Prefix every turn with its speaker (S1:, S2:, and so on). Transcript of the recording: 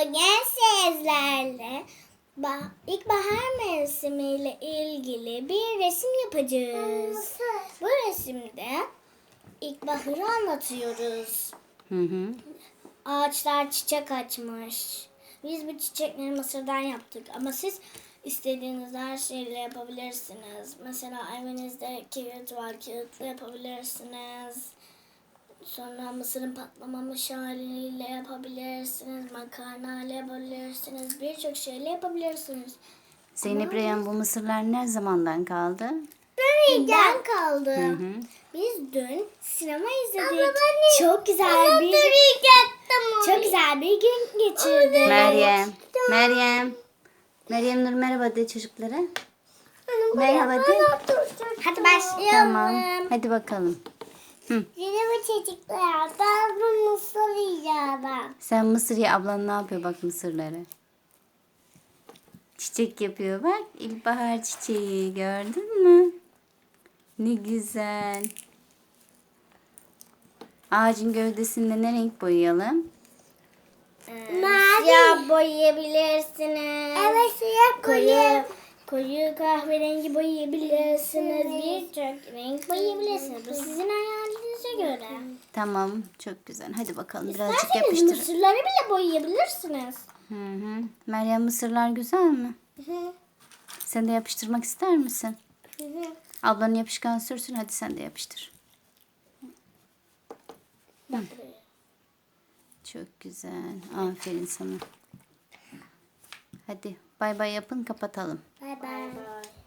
S1: Bugün sizlerle ilkbahar mevsimiyle ilgili bir resim yapacağız. Bu resimde ilkbaharı anlatıyoruz. Ağaçlar çiçek açmış. Biz bu çiçekleri mısırdan yaptık ama siz istediğiniz her şeyle yapabilirsiniz. Mesela evinizde kağıt var, kağıtla yapabilirsiniz. Sonra mısırın patlamamış haliyle yapabilirsiniz. Makarna ile yapabilirsiniz. Birçok şeyle yapabilirsiniz.
S2: Zeynep Reyhan, bu mısırlar ne zamandan kaldı?
S1: Dünden kaldı. Biz dün sinema izledik. Çok güzel bir gün geçirdik.
S2: Meryem Nur merhaba de çocuklara. Merhaba de.
S1: Hadi başlayalım.
S2: Tamam. Hadi bakalım.
S1: Merhaba çocuklar. Ben bu mısır yiyeceğim.
S2: Sen mısır ye, ablan ne yapıyor bak mısırları. Çiçek yapıyor bak. İlkbahar çiçeği gördün mü? Ne güzel. Ağacın gövdesinde ne renk boyayalım?
S1: Siyah boyayabilirsiniz. Evet, siyah koyu kahverengi boyayabilirsiniz. Birçok renk boyayabilirsiniz. Bu sizin hayalinize göre.
S2: Tamam, çok güzel. Hadi bakalım birazcık
S1: İsterseniz
S2: yapıştır.
S1: mısırları bile boyayabilirsiniz.
S2: Meryem, mısırlar güzel mi? Sen de yapıştırmak ister misin? Ablanın yapışkan sürsün, hadi sen de yapıştır. Çok güzel. Aferin sana. Hadi bay bay yapın, kapatalım.
S1: Bay bay.